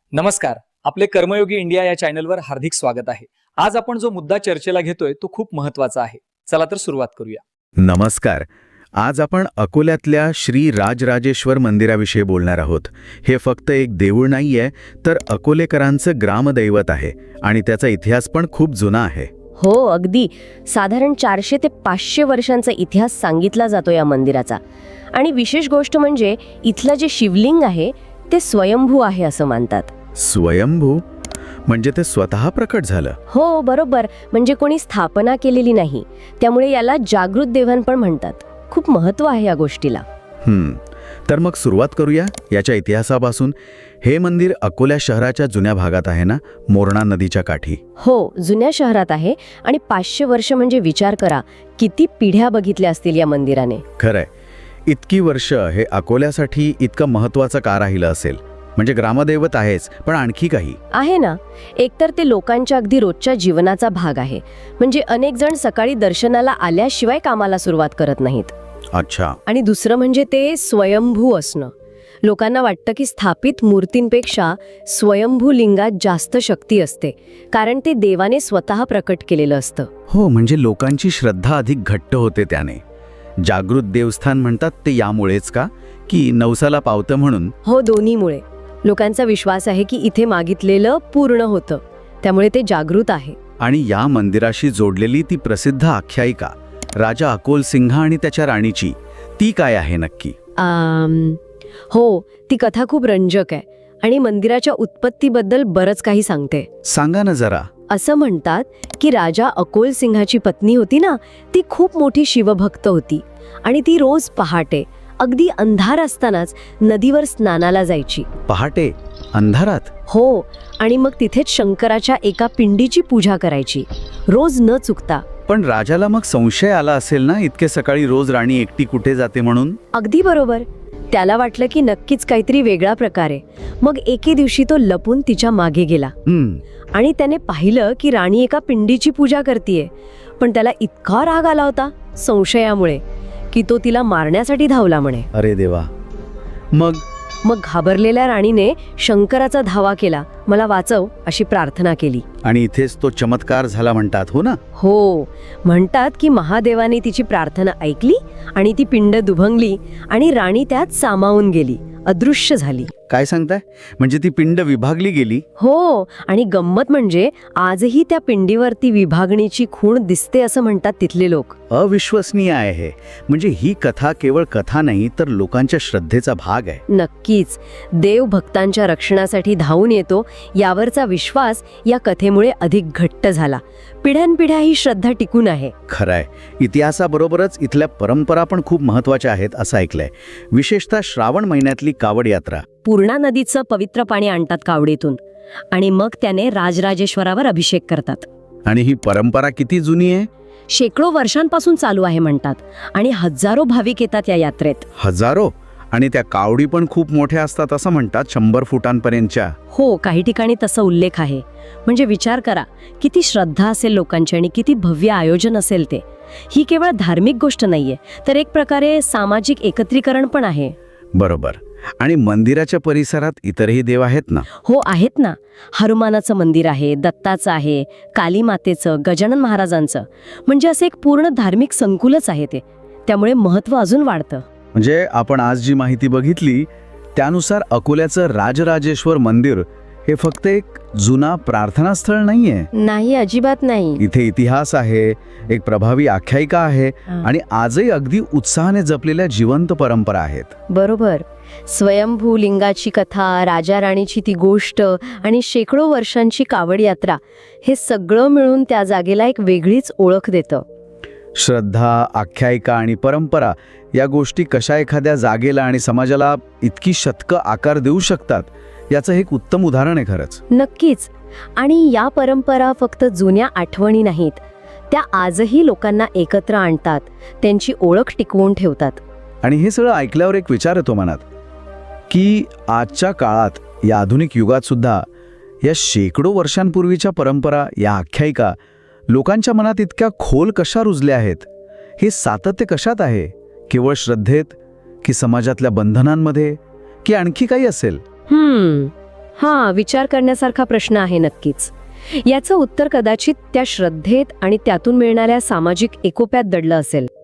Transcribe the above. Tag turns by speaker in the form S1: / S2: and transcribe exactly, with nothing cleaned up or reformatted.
S1: नमस्कार. आपले कर्मयोगी इंडिया या चॅनलवर हार्दिक स्वागत आहे. आज आपण जो मुद्दा चर्चेला घेतोय तो खूप महत्त्वाचा आहे. चला तर सुरुवात करूया.
S2: नमस्कार. आज आपण अकोल्यातल्या श्री राजराजेश्वर मंदिराविषयी बोलणार आहोत. हे फक्त एक देऊळ नाहीये, तर अकोलेकरांचं ग्रामदैवत आहे आणि त्याचा इतिहास पण खूप जुना आहे.
S3: हो, अगदी. साधारण चारशे ते पाचशे वर्षांचा इतिहास सांगितला जातो या मंदिराचा. आणि विशेष गोष्ट म्हणजे इथलं जे शिवलिंग आहे ते स्वयंभू आहे असं मानतात.
S2: स्वयंभू म्हणजे ते स्वतः प्रकट झालं?
S3: हो, बरोबर. म्हणजे कोणी स्थापना केलेली नाही. त्यामुळे याला जागृत देवाण पण म्हणतात. खूप महत्त्व आहे या गोष्टीला.
S2: हम्म तर मग सुरुवात करूया याच्या इतिहासापासून. हे मंदिर अकोल्या शहराच्या जुन्या भागात आहे ना, मोरणा नदीच्या काठी.
S3: हो, जुन्या शहरात आहे. आणि पाचशे वर्ष म्हणजे विचार करा, किती पिढ्या बघितल्या असतील या मंदिराने.
S2: खरंय. इतकी वर्ष हे अकोल्यासाठी इतकं महत्त्वाचं का राहिलं असेल? म्हणजे ग्रामदैवत आहेच, पण आणखी काही
S3: आहे ना. एकतर ते लोकांच्या अगदी रोजच्या जीवनाचा भाग आहे. म्हणजे अनेक जण सकाळी दर्शनाला आल्याशिवाय कामाला सुरुवात करत नाहीत.
S2: अच्छा.
S3: आणि दुसरं म्हणजे ते स्वयंभू असणं. लोकांना वाटतं की स्थापित मूर्तींपेक्षा स्वयंभू लिंगात जास्त शक्ती असते, कारण ते देवाने स्वतः प्रकट केलेलं असतं.
S2: हो, म्हणजे लोकांची श्रद्धा अधिक घट्ट होते त्याने. जागृत देवस्थान म्हणतात ते यामुळेच का, की नवसाला पावतं म्हणून?
S3: हो, दोन्हीमुळे. लोकांचा विश्वास आहे की इथे मागितलेलं पूर्ण होतं, त्यामुळे ते जागृत आहे.
S2: आणि या मंदिराशी जोडलेली ती प्रसिद्ध आख्यायिका राजा अकोल सिंह आणि त्याच्या राणीची, ती काय आहे नक्की?
S3: आम, हो, ती कथा खूप रंजक आहे आणि मंदिराच्या उत्पत्तीबद्दल बरंच काही सांगते.
S2: सांगा ना जरा.
S3: असं म्हणतात की राजा अकोल सिंहाची पत्नी होती ना, ती खूप मोठी शिवभक्त होती आणि ती रोज पहाटे अगदी अंधार असतानाच नदीवर स्नानाला जायची.
S2: पहाटे अंधारात?
S3: हो, आणि मग तिथेच शंकराच्या एका पिंडीची पूजा करायची, रोज न चुकता.
S2: पण राजाला मग संशय आला असेल ना, इतके सकाळी रोज राणी एकटी कुठे जाते म्हणून?
S3: अगदी बरोबर. त्याला वाटलं की नक्कीच काहीतरी वेगळा प्रकार आहे. मग एके दिवशी तो लपून तिच्या मागे गेला आणि त्याने पाहिलं की राणी एका पिंडीची पूजा करतीये. पण त्याला इतका राग आला होता संशयामुळे की तो तिला मारण्यासाठी धावला म्हणे.
S2: अरे देवा. मग
S3: मग घाबरलेल्या राणीने शंकराचा धावा केला, मला वाचव अशी प्रार्थना केली.
S2: आणि इथेच तो चमत्कार झाला म्हणतात, हो ना?
S3: हो, म्हणतात की महादेवाने तिची प्रार्थना ऐकली आणि ती पिंड दुभंगली आणि राणी त्यात सामावून गेली, अदृश्य झाली.
S2: काय सांगताय? म्हणजे ती पिंड विभागली गेली?
S3: हो, आणि गंमत म्हणजे आजही त्या पिंडीवरती विभागणीची खूण दिसते असं म्हणतात तिथले लोक.
S2: अविश्वसनीय आहे हे. म्हणजे ही कथा केवळ कथा नाही, तर लोकांच्या श्रद्धेचा भाग आहे.
S3: नक्कीच. देव भक्तांच्या रक्षणासाठी धावून येतो यावरचा विश्वास या कथेमुळे अधिक घट्ट झाला. पिढ्यानपिढ्या ही श्रद्धा टिकून आहे.
S2: खरंय. इतिहासाबरोबरच इथल्या परंपरा पण खूप महत्वाच्या आहेत असं ऐकलंय. विशेषतः श्रावण महिन्यातली कावड यात्रा.
S3: पूर्णा नदीचं पवित्र पाणी आणतात कावडीतून आणि मग त्याने राजराजेश्वरावर अभिषेक करतात.
S2: आणि ही परंपरा किती जुनी आहे?
S3: शेकडो वर्षांपासून चालू आहे म्हणतात. आणि हजारो भाविक येतात या यात्रेत.
S2: हजारो? आणि त्या कावडी पण खूप मोठ्या असतात असं म्हणतात, शंभर फुटांपर्यंतच्या.
S3: हो, काही ठिकाणी तसा उल्लेख आहे. म्हणजे विचार करा, किती श्रद्धा असेल लोकांची आणि किती भव्य आयोजन असेल ते. ही केवळ धार्मिक गोष्ट नाहीये, तर एक प्रकारे सामाजिक एकत्रीकरण पण आहे.
S2: बरोबर. आणि मंदिराच्या परिसरात इतरही देव आहेत ना?
S3: हो, आहेत ना. हनुमानाचं मंदिर आहे, दत्ताचं आहे, काली मातेचं, गजानन महाराजांचं. म्हणजे असं एक पूर्ण धार्मिक संकुलच आहे ते. त्यामुळे महत्त्व अजून वाढतं.
S2: म्हणजे आपण आज जी माहिती बघितली त्यानुसार अकोल्याचं राजराजेश्वर मंदिर हे फक्त एक जुना प्रार्थनास्थळ नाहीये.
S3: नाही, अजिबात नाही.
S2: इथे इतिहास आहे, एक प्रभावी आख्यायिका आहे आणि आजही अगदी उत्साहाने जपलेल्या जिवंत परंपरा आहेत.
S3: बरोबर. स्वयंभू लिंगाची कथा, राजा राणीची ती गोष्ट आणि शेकडो वर्षांची कावड यात्रा, हे सगळं मिळून त्या जागेला एक वेगळीच ओळख देतं.
S2: श्रद्धा, आख्यायिका आणि परंपरा या गोष्टी कशा एखाद्या जागेला आणि समाजाला इतकी शतकं आकार देऊ शकतात, याचं एक उत्तम उदाहरण आहे खरंच.
S3: नक्कीच. आणि या परंपरा फक्त जुन्या आठवणी नाहीत, त्या आजही लोकांना एकत्र आणतात, त्यांची ओळख टिकवून ठेवतात.
S2: आणि हे सगळं ऐकल्यावर एक विचार येतो मनात की आजच्या काळात, या आधुनिक युगात सुद्धा या शेकडो वर्षांपूर्वीच्या परंपरा, या आख्यायिका लोकांच्या मनात इतक्या खोल कशा रुजल्या आहेत? हे सातत्य कशात आहे? केवळ श्रद्धेत, की समाजातल्या बंधनांमध्ये, की आणखी काही असेल?
S3: हम्म हां, विचार करण्यासारखा प्रश्न आहे नक्कीच. याचं उत्तर कदाचित त्या श्रद्धेत आणि त्यातून मिळणाऱ्या सामाजिक एकोप्यात दडलं असेल.